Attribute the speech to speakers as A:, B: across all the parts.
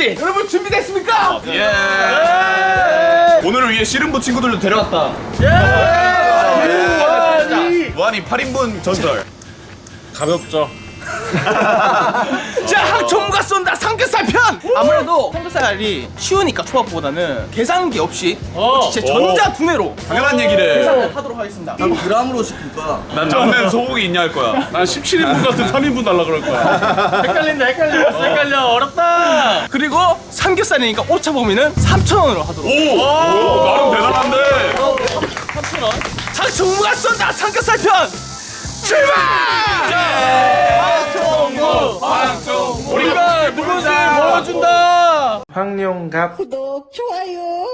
A: 낚시 여러분 준비됐습니까?
B: 오늘을 위해 씨름부 친구들도 데려왔다. 무한히 8인분 전설.
C: 가볍죠.
A: 자, 항총과 쏜다 삼겹살 편! 아무래도 삼겹살이 쉬우니까 초밥보다는 계산기 없이 진짜 전자 두뇌로
B: 당연한 얘기를.
A: 계산을 하도록 하겠습니다.
D: 그람으로 시킬까?
B: 난 남는 소고기 있냐 할 거야.
C: 난 17인분 같은 3인분 달라 그럴 거야.
A: 헷갈려 어렵다. 그리고 삼겹살이니까 오차 범위는 3,000원으로 하도록.
B: 오, 나름 대단한데.
A: 3,000원. 항총과 쏜다 삼겹살 편! 출발! 황총무 우리가 누군지 보여준다.
C: 황룡갑.
D: 구독, 좋아요.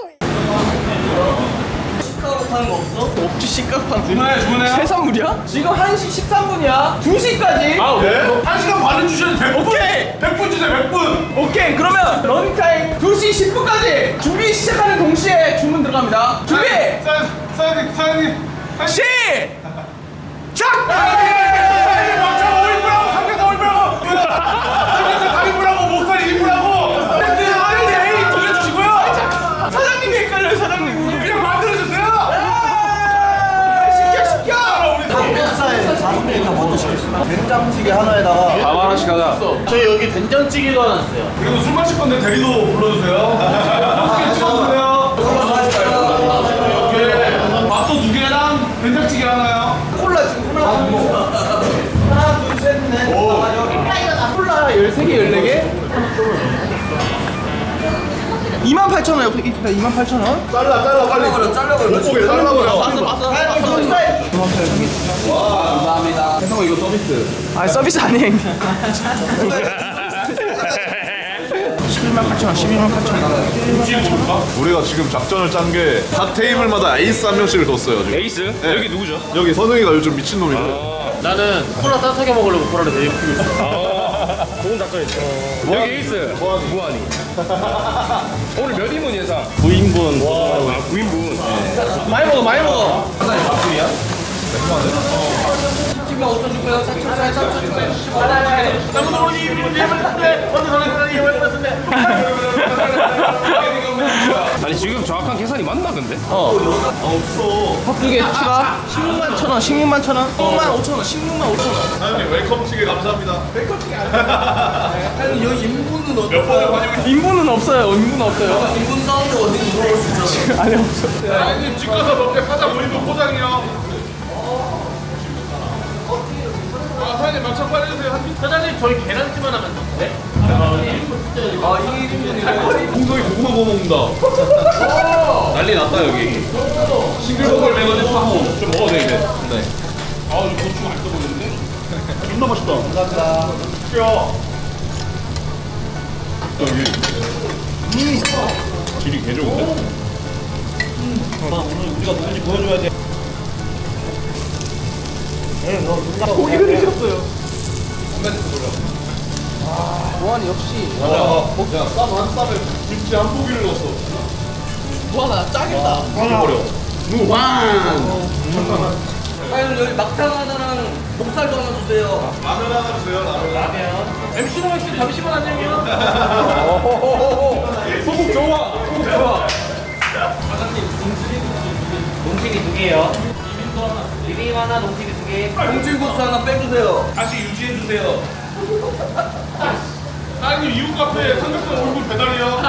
A: 없지 시각판 주문해요? 해산물이야? 지금 1시 13분이야 2시까지
B: 아, 왜? 1시간 반은 주셔도 100분.
A: 오케이
B: 100분 주세요, 100분.
A: 오케이 그러면 러닝타임 2시 10분까지 준비 시작하는 동시에 주문 들어갑니다 준비
B: 사장님.
A: 시작!
B: 막차 5인분하고 삼겹살 5인분하고 삼겹살 4인분하고 목살이 2인분하고 세트 돌려주시고요.
A: 사장님이 헷갈려요 사장님
B: 그냥 만들어주세요.
A: 시켜
D: 삼겹살 4분의 1다 먼저 시켰습니다. 된장찌개 하나에다가
C: 밥 하나씩 하자.
E: 저희 여기 된장찌개가 나왔어요.
B: 그리고 술 마실 건데 대리도 불러주세요. 맛있게 찍어주세요. 밥도 2개랑 된장찌개 하나요.
A: 콜라 지금 하나 둘셋넷 콜라 13개 14개 28,000원 옆에 있다 28,000원
B: 잘라 빨리. 잘라버려. 못 보게 잘라버려.
A: 봤어
D: 감사합니다.
B: 형 이거 서비스.
A: 아 서비스 아니에요 118,000원 118,000원
F: 우리가 지금 작전을 짠 게 각 테이블마다 에이스 한 명씩을 뒀어요 지금.
C: 에이스? 여기 누구죠?
F: 여기 선웅이가 요즘 미친놈이고
E: 나는 콜라 따뜻하게 먹으려고 콜라를 되게 크게 있어.
C: 좋은 작전이죠. 여기 에이스. 무한이. 오늘 몇 인분 예상?
E: 9인분.
C: 아, 9인분.
A: 많이 먹어
C: 아니 지금 정확한 계산이 맞나 근데?
A: 밥2개 추가 16만 1,000원 16만 1,000원 15만 5,000원 16만 5,000원
F: 사장님 웰컴치게 감사합니다.
D: 여기 인분은 어디?
B: 몇 번을 환영해.
A: 인분은 없어요 인분은 없어요
D: 인분 사운드 어디 물어볼 수 있잖아.
A: 아니 없어
B: 사장님 집 가서 먹게 사장 5인분 포장이요. 아 사장님 막차 빨리 주세요.
E: 사장님 저희 계란찜 하나만 네?
B: 홍성이 고구마 구워 먹는다. 난리 났다 여기. 싱글벙글 매거진 사고 좀 먹어도 돼 이제. 네. 아 이거 고추 맛있어 보이는데? 존나 맛있다. 감사합니다. 야. 여기. 질이 개 좋은데?
A: 고기를 드셨어요 보안이 역시
B: 야, 쌈한 쌈에 김치 한 포기를 넣었어.
A: 보안아 짱이다
B: 버려.
D: 아니 여기 막창 하나랑 목살도 하나 주세요.
B: 라면 하나 주세요. 라면.
E: MC 로맥스 잠시만 안녕해요.
B: 소금 좋아. 소금 좋아.
E: 농튀기 2개요. 비빔 하나, 농튀기 2개.
D: 홍질국수 하나 빼주세요.
B: 다시 유지해 주세요. 사장님 이웃 카페 삼겹살 얼굴 배달이요.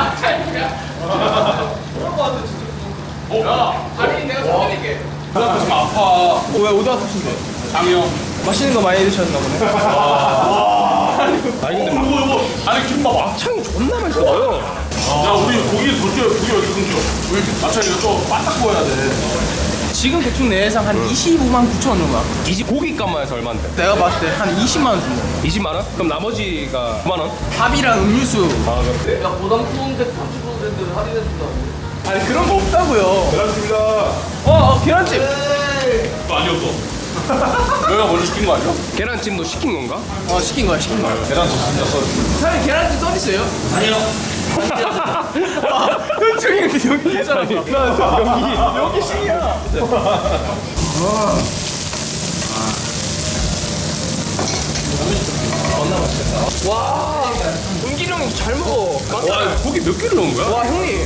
B: 야, 다리 내가 사드릴게. 누가 지금 아파.
A: 왜 오다 드신데
B: 장이요.
A: 맛있는 거 많이 드셨나 보네
B: 아니 근데 이거 아니 김밥
A: 막창이 존나 맛있어 보여
B: 야 우리 고기 더 줘요. 고기 어디 좀 줘. 왜 이렇게 마찬 이거 좀 바싹 구워야 돼.
A: 지금 대충 내 예상 한 25만 9천 원 정도
C: 이집 고기값만 해서 얼마인데?
A: 내가 봤을 때 한 20만 원 준다
C: 20만 원? 그럼 나머지가 9만 원?
A: 밥이랑 음료수
D: 야 보당 수온색 30% 할인해준다.
A: 아니 그런 거 없다고요
B: 계란찜이다.
A: 계란찜
B: 그거 아니었어. 너희가 먼저 시킨 거 아니야?
C: 계란찜도 시킨 건가?
A: 시킨 거야
B: 계란 더 진짜 써.
A: 사장님 계란찜 서비스예요?
E: 아니요.
A: 현충이 여기 계잖아 여기 신이야
C: 은길이 형이 잘 먹어. 와, 고기 몇 개를 넣은 거야? 와, 형님.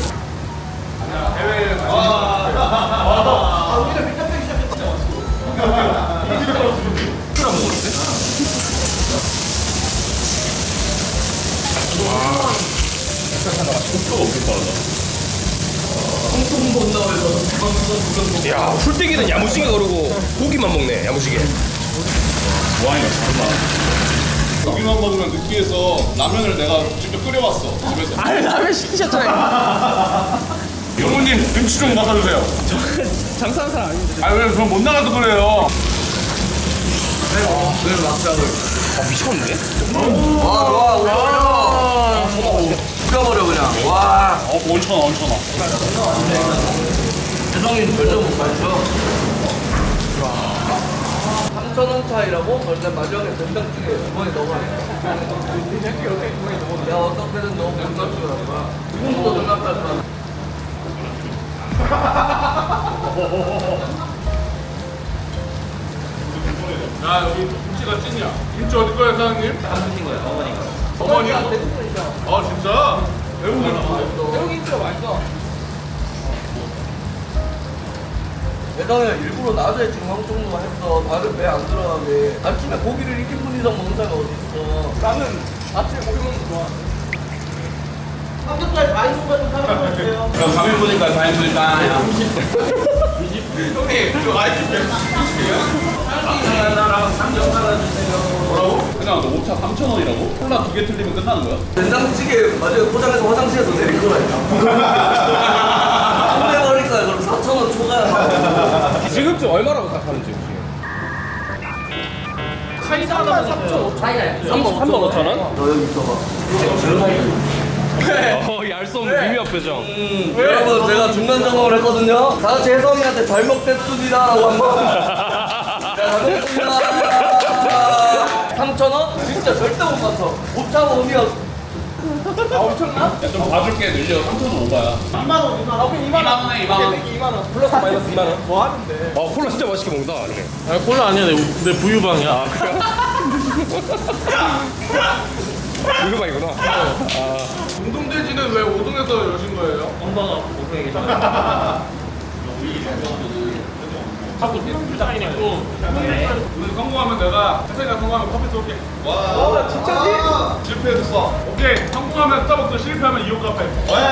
C: 야, 풀떼기는 야무지게 거르고 고기만 먹네, 야무지게.
B: 무한이가 잘한다. 여기만 먹으면 느끼해서 라면을 내가 직접 끓여봤어 집에서.
A: 아 라면 시키셨잖아요.
B: 영호님 김치 좀 맡아주세요.
A: 장사하는 사람 아닌데.
B: 아 왜 그럼 못 나가서 그래요?
C: 미쳤는데?
D: 죽여버려 그냥. 와.
B: 원천아 원천아.
D: 대성이 절대 못 마셔. 3,000원 차이라고? 절대 마지막에 된장찌개 주머니 넣어야 야 어떻게든 너무 된장찌개란 거야. 지금부터 생각할 거야.
B: 야 여기 김치가 찐이야. 김치 어디 거야 사장님?
E: 담그신 거예요, 어머니가.
B: 어머니야? 아 진짜? 외국인
A: 여기 인트가 맛있어.
D: 예전에 일부러 낮에 중앙 정도만 했어. 다른 배 안 들어가게. 아침에 고기를 1인분 이상 먹는 사람이 어딨어.
A: 나는 아침에 고기 먹는 거 좋아. 삼겹살 다인분 같은 사람 같은데요.
B: 그럼 3인분이니까 4인분이니까.
A: 형님 저 아이스
B: 뭐라고? 그냥 너 오차 3,000원이라고? 콜라 2개 틀리면 끝나는 거야?
D: 된장찌개 마지막에 포장해서 화장실에서 내릴 거라니까. 안 내버릴 거야. 그럼 4,000원 초과야.
C: 지금쯤 얼마라고 생각하는지 혹시?
A: 카이사 하나 3,500원.
C: 3만 5천 원?
D: 너 여기 있어봐.
C: 알 수 없는 미묘한 표정.
D: 여러분 제가 중간 점검을 했거든요. 다 같이 혜성이한테 잘 먹겠습니다라고 한번. 잘 먹겠습니다. 3,000원? 진짜 절대 못 맞춰. 못 참아 오면.
A: 아 엄청나?
B: 좀 봐줄게 늘려 3,000원 오바야.
A: 2만 원, 2만 원. 아, 그럼 2만 원.
B: 2만 원에 2만 원.
A: 2만 원.
C: 플러스 마이너스 2만 원.
A: 뭐 하는데?
C: 콜라 진짜 맛있게 먹는다. 그래.
E: 아, 콜라 아니야, 내 부유방이야.
C: 이거 봐 이거나.
B: 공동돼지는 왜 5동에서 여신 거예요?
E: 엄마가 고생이 계셔. 자꾸 불쌍히 내고.
B: 오늘 성공하면 내가 혜성이가 성공하면 커피 쏠게. 와
A: 진짜지?
B: 실패했어. 오케이 성공하면 스타벅스 실패하면 이호 카페.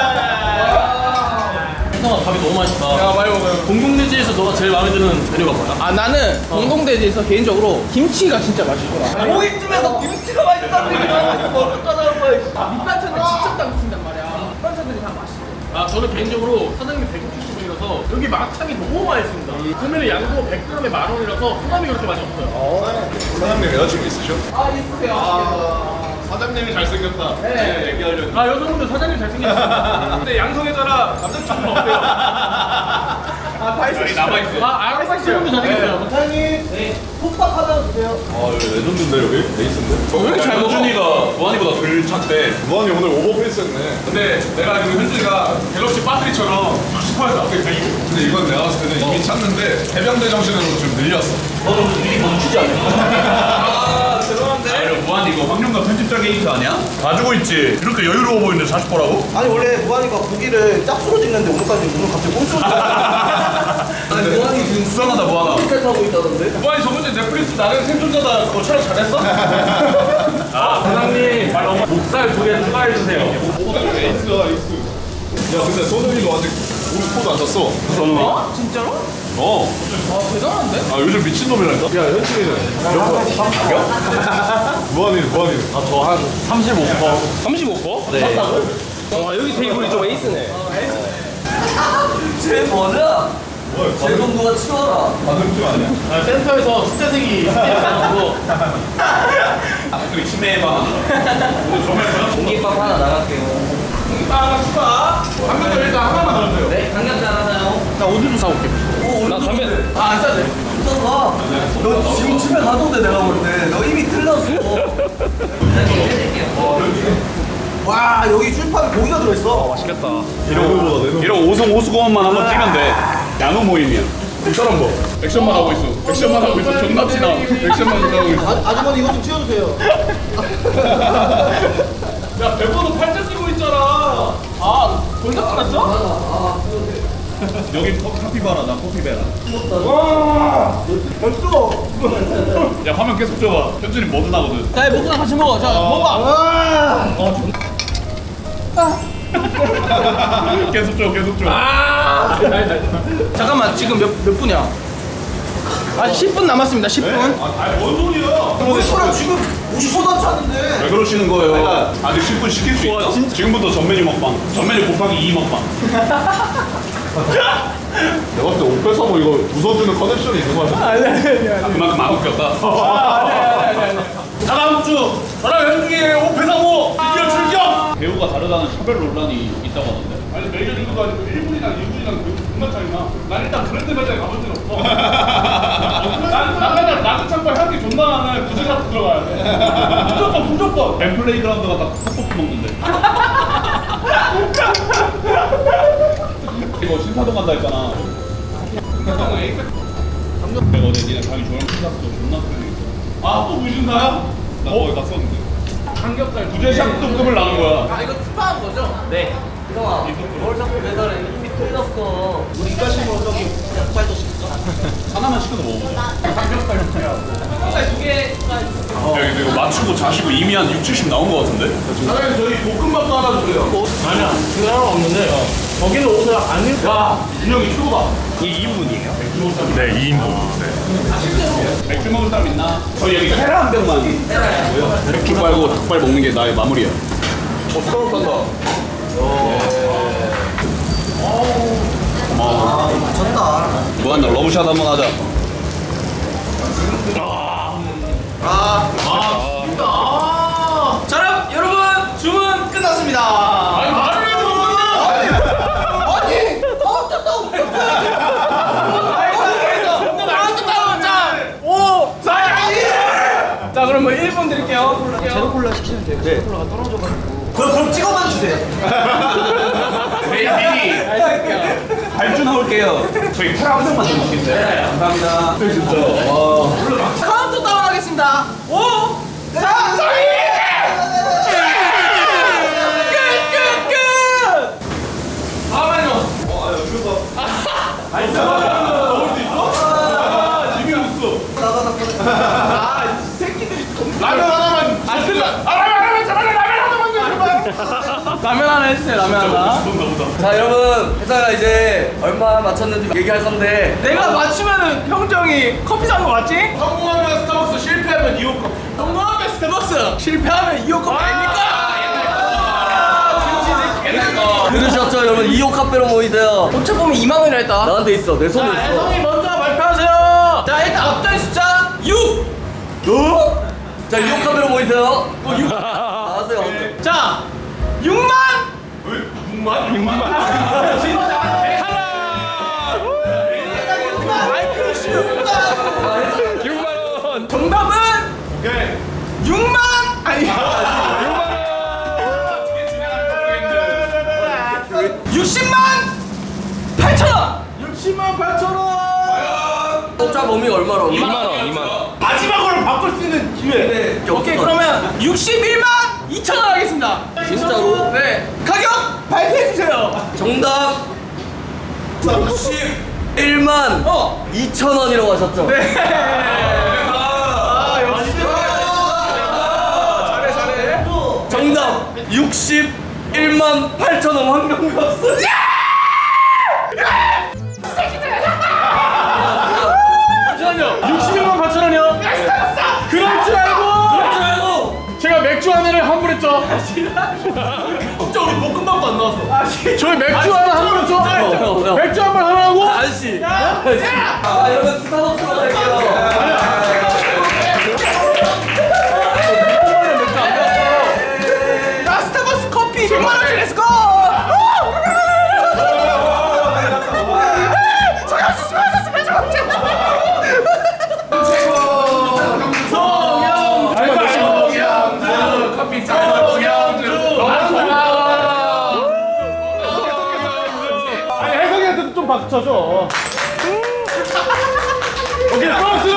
E: 혜성아, 밥이 너무 맛있다.
B: 야 많이 먹어요.
E: 공동돼지에서 너가 제일 마음에 드는 메뉴가 뭐야?
A: 아 나는 공동돼지에서 개인적으로 김치가 진짜 맛있더라.
D: 고깃집에서 김치가 맛있다는 얘기 나오고 있으면 어떡하자는 거야.
A: 밑반찬을 직접 담그신단 말이야. 밑반찬들이 다 맛있어.
E: 아, 저는 개인적으로 사장님이 160분이라서 여기 막창이 너무 맛있습니다. 그러면 양도 100g에 10,000원이라서 소감이 그렇게 많이 없어요.
F: 사장님 여자친구 있으셔?
A: 아 있으세요.
B: 사장님이 잘생겼다. 네. 얘기하려고.
E: 아, 여성분들 사장님 잘생겼어요.
B: 근데 양성애자라 남자친구는 없대요.
A: 아 다 있어.
B: 남아있어.
E: 아, 알바생분도 잘생겼어요.
A: 사장님. 네. 솥밥 하나 주세요.
F: 아 여기 레전드인데 여기? 베이스인데?
B: 왜 이렇게 잘 먹어? 현준이가 무한이보다 덜 찼대.
F: 무한이 오늘 오버페이스 했네.
B: 근데 내가 지금 현준이가 갤럭시 배터리처럼 60%에서 앞에 가 있고.
F: 근데 이건 내가 봤을 때는 이미 찼는데 해병대 정신으로 좀 늘렸어.
D: 아 죄송한데.
B: 아니 무한 이거 황룡과 편집자 게이트 아니야? 가지고 있지. 이렇게 여유로워 보이는데 40%라고?
D: 아니 원래 무한이가 고기를 짝수로 찍는데 오늘 갑자기 꼼수로 아니 무한이 지금
B: 수상하다 무한아.
D: 셋 하고 있다던데?
B: 무한이 저번에 넷플릭스 나는 생존자다 그거 촬영 잘했어?
E: 아, 사장님, 목살 2개 추가해주세요.
F: 에이스야 에이스. 야 근데 손흥이가 아직 우리 코드 안 찼어.
A: 어? 진짜로?
F: 어.
A: 아 대단한데?
F: 아 요즘 미친놈이라니까? 야 현진이는 몇 번? 무한이는
E: 저 한 35%.
C: 35%? 네. 와 여기 테이블이 좀 에이스네.
D: 쟤 뭐냐? 쟤좀 누가 치워라.
F: 반응증 아니야?
E: 아, 센터에서 숫자색이 있어가지고.
B: 그리고 치매방. 오늘 정말
D: 공깃밥 하나 나갈게요.
B: 하나 추가. 한명더 일단 하나만 넣어주세요.
D: 네, 강력지 하나요?
A: 나 오늘 좀 사올게.
C: 나 담배.
A: 아안 싸네.
D: 써봐. 너 지금 집에 가도 돼 내가 볼 때. 너 이미 틀렸어. 와 여기 줄판에 고기가 들어있어.
C: 맛있겠다.
F: 이런 거보다 내
B: 이런 오승 오수공원만 한번 뛰면 돼. 야노 모임이야. 이 사람 뭐? 액션만 하고 있어. 액션만 하고 있어. 존나 티나. 액션만 하고 있어.
D: 아주머니 이거 좀 치워주세요.
B: 야, 배번호 8자 끼고 있잖아.
A: 아 벌써 끝났어?
B: 여기 카피바라, 나 커피베라. 야, 화면 계속 줘봐. 현준이 뭐든 하거든.
A: 자 먹고 같이 먹어. 자 먹어봐.
B: 계속 줘, 계속 줘.
A: 잠깐만 지금 몇 분이야? 아직 10분 남았습니다. 10분.
B: 뭔 소리야?
D: 우리랑 지금 50초도 찼는데.
B: 왜 그러시는 거예요? 아직 10분 시킬 수 있다. 지금부터 전 메뉴 먹방. 전 메뉴 곱하기 2 먹방.
F: 내가 봤을 때 옷 뺏어 뭐 이거 웃어주는 커넥션이 있는 거 같아.
B: 그만큼 안 웃겼다.
E: 다음 주 저랑 현중이의 오페사모 드디어 출격.
B: 배우가 다르다는 차별 논란이 있다고 하던데.
E: 아니 메이저 리그도 아니고 1분이랑 2분이랑 존나 차이나. 난 일단 브랜드 매장에 가본 적 없어. 난 맨날 라그 창고 향기 존나 나는 구슬 갖고 들어가야 돼. 무조건.
B: 벤플레이 그라운드 갔다 떡볶이 먹는데. 이거 신사동 간다 했잖아. 내가 어제 니네 가기 좋아하는 신사동 존나 크게 있어. 아, 또 무신사야? 나 거기 갔었는데.
E: 삼겹살
B: 부재샵 등급을 나눈 거야.
D: 아 이거 투파한 거죠? 네. 형아, 뭘 자꾸 매달해? 이미 틀렸어. 우리 이까시모 저기 약발도 시켰어?
B: 하나만 시켜서 먹어보자.
E: 삼겹살 형태야.
D: 삼겹살 2개.
B: 야, 이거 맞추고 자시고 이미 한 6, 70 나온 거 같은데?
E: 사장님 저희 볶음밥도 하나 주세요. 아니야 그거 하나 없는데 거기는 옷을 안 입고. 야 준영이 큐바.
B: 이게 2인분이에요? 네, 2인분. 네. 맥주 먹을 사람 있나? 저희 여기 헤라 한 병만. 맥주 빨고 닭발 먹는 게 나의 마무리야.
F: 서울 간다.
B: 고마워.
D: 미쳤다.
B: 무한나 러브샷 한번 하자.
A: 자 여러분 주문 끝났습니다.
E: 아니 말을 해도
A: 자 그럼 뭐 1분 드릴게요.
D: 제로 콜라 시키면 돼요. 제로 콜라가 떨어져가지고. 그럼 찍어만 주세요.
B: 베이비 발주 나올게요. 저희 헤라 한 병만 좀 먹겠어요. 감사합니다. 진짜.
A: 카운트 다운 하겠습니다. 5, 4, 3, 2, 끝!
E: 잠깐만요.
B: 라면 하나만.
A: 라면 하나 해주세요. 라면 하나.
D: 자 여러분 회사가 이제 얼마 맞췄는지 얘기할 건데
A: 내가 맞추면은 형정이 커피 산 거 맞지?
E: 성공하면 스타벅스, 실패하면 이호 커피.
A: 성공하면 스타벅스, 실패하면 이호 커피 아닙니까?
D: 들으셨죠 여러분 2호 카페로 모이세요.
A: 도착 보면 2만 원이라 했다.
D: 나한테 있어 내 손에 있어.
A: 혜성이 먼저 발표하세요. 자 일단 앞자리 숫자 6.
D: 자 2호 카페로 모이세요. 6. 나가세요.
A: 자 6만. 정답은 6만 아니 60만 8천 원.
E: 60만 8천 원.
D: 독자 범위가 얼마라고?
C: 2만원.
E: 마지막으로 바꿀 수 있는 기회.
A: 오케이 그러면 61만 2천 원 하겠습니다.
D: 진짜로?
A: 네 가격 발표해 주세요.
D: 정답 61만 2,000원이라고 하셨죠?
A: 네. 아 역시 잘해.
D: 정답 61만 8,000원 황금값을.
E: 잠시만요. 61만 8천 원이요? 그럴 줄 알고 제가 맥주 하나를 환불했죠. 진짜 우리 볶음밥도 안 나왔어. 저희 맥주 하나 환불했죠? 맥주 한 번 하나 하고
D: 아저씨. 아 여러분 스타벅스로 갈게요.
A: 나 스타벅스 커피 100만 원짜리 렛츠고.
E: 커피 정영주 아니 혜성이한테도 좀 박수 쳐줘. 오케이, 소스!